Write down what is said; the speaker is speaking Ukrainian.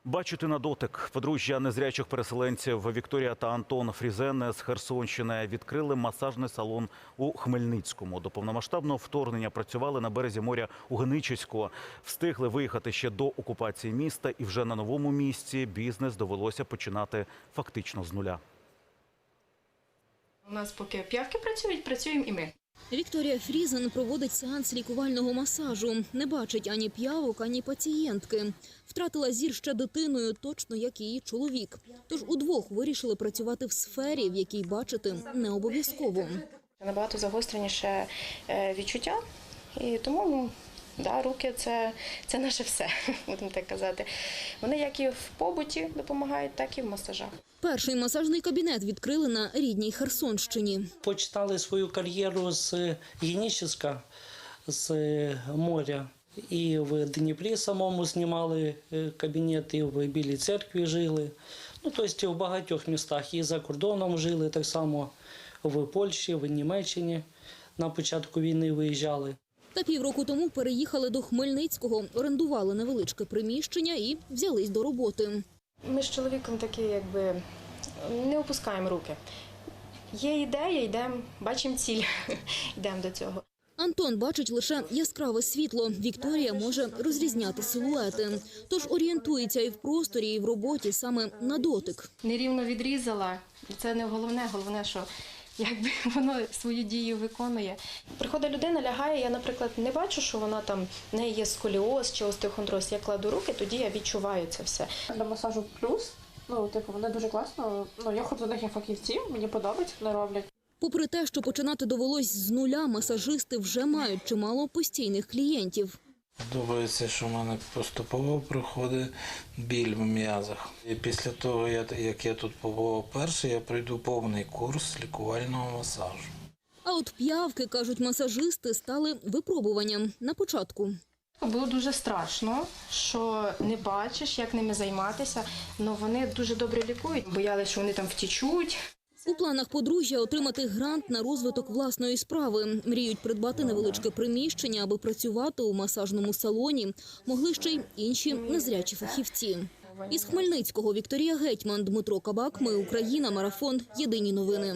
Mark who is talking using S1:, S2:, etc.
S1: Бачити на дотик. Подружжя незрячих переселенців Вікторія та Антон Фрізене з Херсонщини відкрили масажний салон у Хмельницькому. До повномасштабного вторгнення працювали на березі моря у Геничиську. Встигли виїхати ще до окупації міста, і вже на новому місці бізнес довелося починати фактично з нуля.
S2: У нас поки п'явки працюють, працюємо і ми.
S3: Вікторія Фрізен проводить сеанс лікувального масажу. Не бачить ані п'явок, ані пацієнтки. Втратила зір ще дитиною, точно як і її чоловік. Тож удвох вирішили працювати в сфері, в якій бачити не обов'язково.
S2: Набагато загостреніше відчуття, і тому руки – це наше все, будемо так казати. Вони як і в побуті допомагають, так і в масажах.
S3: Перший масажний кабінет відкрили на рідній Херсонщині.
S4: Починали свою кар'єру з Генічиська, з моря. І в Дніпрі самому знімали кабінет, і в Білій Церкві жили. Тобто в багатьох містах. І за кордоном жили, так само в Польщі, в Німеччині на початку війни виїжджали.
S3: Та півроку тому переїхали до Хмельницького, орендували невеличке приміщення і взялись до роботи.
S2: Ми з чоловіком такі, не опускаємо руки. Є ідея, йдемо, бачимо ціль, йдемо до цього.
S3: Антон бачить лише яскраве світло. Вікторія може розрізняти силуети. Тож орієнтується і в просторі, і в роботі саме на дотик.
S2: Нерівно відрізала, це не головне, головне, що воно свою дію виконує. Приходить людина, лягає, я, наприклад, не бачу, що вона там, в неї є сколіоз чи остеохондроз. Я кладу руки, тоді я відчуваю це все.
S5: Для масажу плюс, вони дуже класно, я ходжу до них як фахівці, мені подобається, вони роблять.
S3: Попри те, що починати довелось з нуля, масажисти вже мають чимало постійних клієнтів.
S6: Подобається, що в мене поступово проходить біль в м'язах. І після того, як я тут побував перший, я пройду повний курс лікувального масажу.
S3: А от п'явки, кажуть масажисти, стали випробуванням на початку.
S2: Було дуже страшно, що не бачиш, як ними займатися, але вони дуже добре лікують. Боялися, що вони там втічуть.
S3: У планах подружжя отримати грант на розвиток власної справи. Мріють придбати невеличке приміщення, аби працювати у масажному салоні могли ще й інші незрячі фахівці. Із Хмельницького Вікторія Гетьман, Дмитро Кабак. Ми Україна. Марафон. Єдині новини.